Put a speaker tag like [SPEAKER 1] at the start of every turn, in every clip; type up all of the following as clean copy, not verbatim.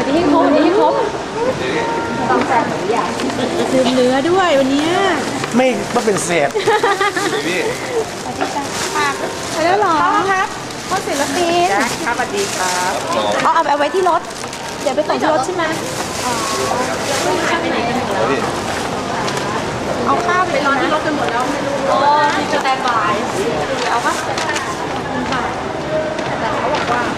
[SPEAKER 1] นี่ให้ครบนี่ให้ครบต้องแซ่บหรือยังดื่มเนื้อด้วยวันนี้
[SPEAKER 2] ไม่เป็นเศษ
[SPEAKER 3] พี่
[SPEAKER 1] ไปแล้วหรอครับพ่อศิลปิน
[SPEAKER 4] ครับสวัสดีครับ
[SPEAKER 1] เอาไว้ที่รถเดี๋ยวไปส่งที่รถใช่ไหมเอาข้าวไปรอที่รถกันหมดแล้วไม่รู้มีสแตนบายเอาปะแต่เขาบอกว่า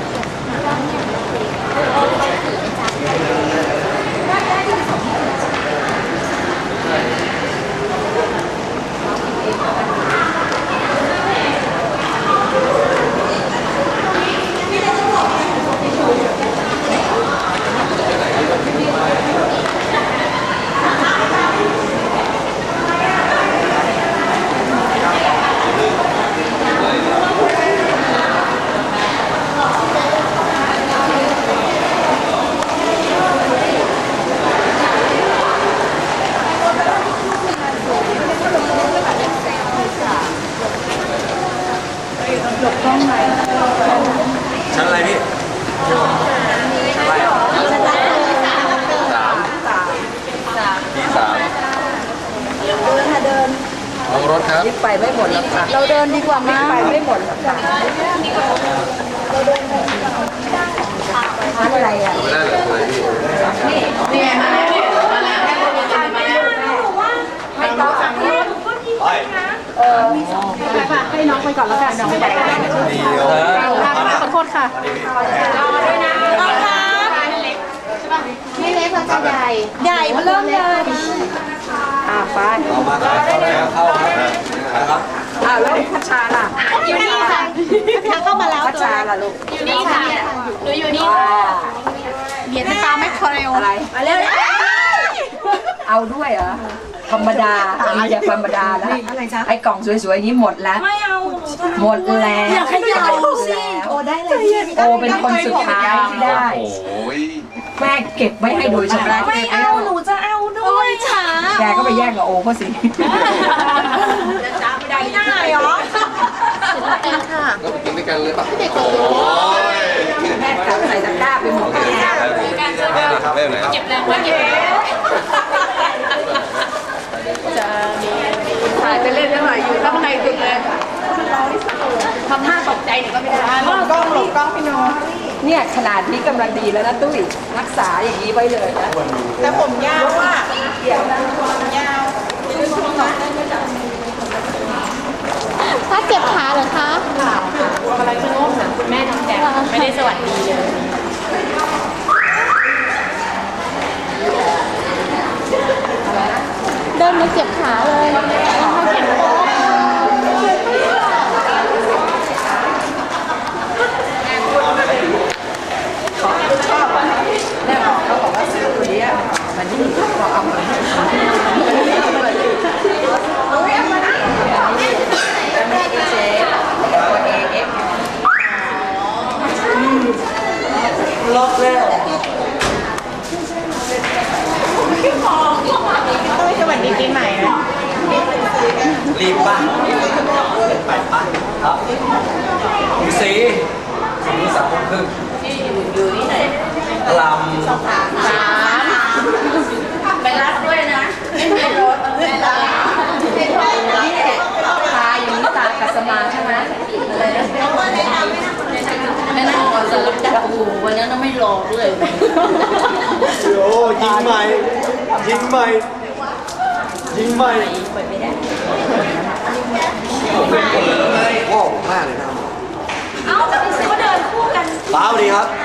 [SPEAKER 3] ชั้นอะไรพี่
[SPEAKER 1] เดิน
[SPEAKER 3] ลงรถครับ
[SPEAKER 4] ไปไม่หมดแล้วค่ะ
[SPEAKER 1] เราเดินดีกว่ามั้ย
[SPEAKER 4] ไปไม่หมดแล้วค่ะอะไรอ่ะ
[SPEAKER 3] ไม่ได้เลยพี่
[SPEAKER 4] นี่ให้โต๊ะสั่งนี้
[SPEAKER 1] ไปค่ะให้น้องไปก่อนแล้วกันน้องไปก่อนขอโทษค่ะรอด้วยนะน้องคะไม่เล็กค่ะใหญ่ใหญ่มาเริ่มเลย
[SPEAKER 4] ไป
[SPEAKER 3] เอามาเข้าครับ
[SPEAKER 4] แล้วพัชชาล่ะ
[SPEAKER 1] อยู่นี่ค่ะพัชชาเข้ามาแล้ว
[SPEAKER 4] พัชชาล่ะลูก
[SPEAKER 1] อยู่นี่ค่ะหนูอยู่นี่ค่ะเบียดตาไม่คอเร็ว
[SPEAKER 4] อะไร
[SPEAKER 1] มาเร็ว
[SPEAKER 4] เอาด้วยเหรอธรรมดาอย่าธรรมดานะไอ้กล่องสวยๆนี้หมดแล้ว
[SPEAKER 1] ไม่เอา
[SPEAKER 4] หมดแล้ว
[SPEAKER 1] อยากให้ยาวสิโอได้เลย
[SPEAKER 4] โอเป็นคนสุดท้ายที่ได้แม่เก็บไว้ให้โดยเฉพาะ
[SPEAKER 1] ไม่เอาหนูจะเอาด้วยค่ะ
[SPEAKER 4] แกก็ไปแย่งกับโอเขาสิ
[SPEAKER 1] จะจ้าไม่ได้หรอเป็นค่ะ
[SPEAKER 3] ก็ไปกินด้วยกันเลยป่ะ
[SPEAKER 1] เด็กโอ้
[SPEAKER 4] แม่กลับใส่ตะกร้าไปหมดแล้ว
[SPEAKER 3] เก็บ
[SPEAKER 1] แรงไว้เก็บจะมี
[SPEAKER 4] ถ่ายไปเล่นเท่าไหร่อยู่ข้างในสุดเลย
[SPEAKER 1] ทำท่าตกใจหนูก็ไม่ได้
[SPEAKER 4] หลบกล้องพี่โนเนี่ยขนาดนี้กำลังดีแล้วนะตุ้ยรักษาอย่างนี้ไว้เลยนะ
[SPEAKER 1] แต่ผมยาวอ่ะ
[SPEAKER 4] เกี่ยวนะ
[SPEAKER 1] ยาวถ้าเจ็บขาเหรอคะกำลังจะโน้มหาคุณแม่น้องแกไม่ได้สวัสดีเลยเดินมาเจ็บขาเลย
[SPEAKER 4] ชอบอ่ะแม่บอกเขาบอกว่าซื้อตัวนี้มันนี่ก็เอามาให้เจ๊ตัวเองล็อกแล้ว
[SPEAKER 1] ต้องสวัสดีปีใหม่นะ
[SPEAKER 2] รีบป่ะไปป่ะครับสี3:30
[SPEAKER 4] อยู่ที่ไหน
[SPEAKER 2] ลำ
[SPEAKER 4] ไปรับด้วยนะไม่รถไม่รับนี่แหละตาอย่างนี้ตากัสมาใช่ไหมอะไรนะไม่นั่งก่อนสลับจับหูวันนั้นไม่รอด้วย
[SPEAKER 2] โอ้ยิงใหม่ว้าวมากเลยนะ
[SPEAKER 1] เอ้าจะไปซื้อเดินคู่กัน
[SPEAKER 2] ป้าสวัสดีครับ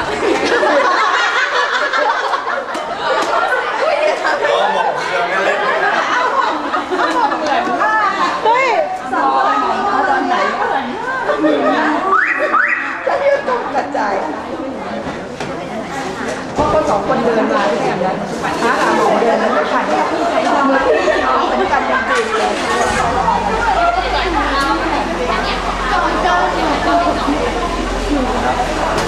[SPEAKER 1] เฮ้ย
[SPEAKER 4] ตอนไหนจะเรียกต้องกระจายเพราะคนสองคนเดินมาด้วยกันนั้นหาหมอเดินนั้นไม่ผ่านที่ใช้ทำมือที่น้องเหมือนกันจริงๆเลย